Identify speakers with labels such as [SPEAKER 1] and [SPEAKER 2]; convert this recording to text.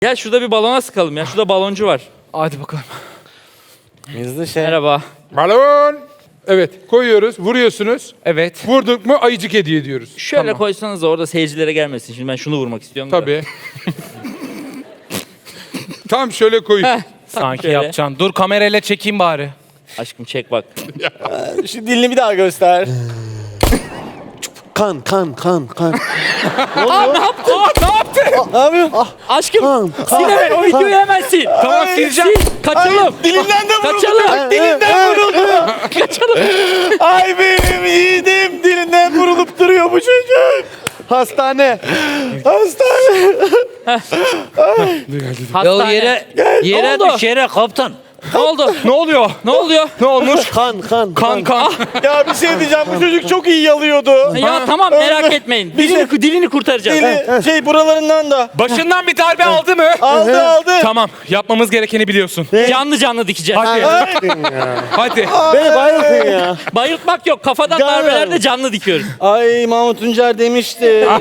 [SPEAKER 1] Gel şurada bir balona sıkalım ya. Şurada baloncu var.
[SPEAKER 2] Hadi bakalım.
[SPEAKER 3] Hızlı şey.
[SPEAKER 1] Merhaba.
[SPEAKER 4] Balon. Evet, koyuyoruz, vuruyorsunuz.
[SPEAKER 2] Evet.
[SPEAKER 4] Vurduk mu ayıcık hediye ediyoruz.
[SPEAKER 1] Şöyle
[SPEAKER 2] Tamam.
[SPEAKER 1] koysanız da orada seyircilere gelmesin. Şimdi ben şunu vurmak istiyorum. da.
[SPEAKER 4] Tabii. Tam şöyle koyun.
[SPEAKER 1] Heh,
[SPEAKER 2] Sanki
[SPEAKER 1] şöyle.
[SPEAKER 2] yapacaksın. Dur kamerayla çekeyim bari.
[SPEAKER 1] Aşkım çek bak.
[SPEAKER 3] Şu dilini bir daha göster. kan.
[SPEAKER 1] Aa ne yaptın?
[SPEAKER 3] Ne yapıyorsun?
[SPEAKER 1] Aşkım Sinan o videoyu hemen sil.
[SPEAKER 2] Tamam sileceğim.
[SPEAKER 1] Kaçalım.
[SPEAKER 3] Dilimden de vuruldu.
[SPEAKER 1] Kaçalım.
[SPEAKER 3] Dilimden vuruldu. Ay benim yiğidim. Dilinden vurulup duruyor bu çocuk. Hastane.
[SPEAKER 1] Hastane.
[SPEAKER 5] Yere
[SPEAKER 1] oldu?
[SPEAKER 5] düş yere kaptan.
[SPEAKER 1] Ne oldu?
[SPEAKER 2] Ne oluyor?
[SPEAKER 1] Ne oluyor?
[SPEAKER 2] Ne olmuş?
[SPEAKER 3] Kan.
[SPEAKER 2] Kan.
[SPEAKER 3] Ya bir şey diyeceğim. Bu çocuk çok iyi yalıyordu.
[SPEAKER 1] Ya tamam merak etmeyin. Dilini kurtaracağız.
[SPEAKER 3] Dili buralarından da.
[SPEAKER 2] Başından bir darbe aldı mı?
[SPEAKER 3] Aldı.
[SPEAKER 2] Tamam. Yapmamız gerekeni biliyorsun.
[SPEAKER 1] Canlı dikeceğiz.
[SPEAKER 2] Hadi. Hadi.
[SPEAKER 3] Beni bayıltın ya.
[SPEAKER 1] Bayıltmak yok. Kafadan
[SPEAKER 3] Canlı.
[SPEAKER 1] darbelerde canlı dikiyoruz.
[SPEAKER 3] Ay Mahmut Tuncer demişti.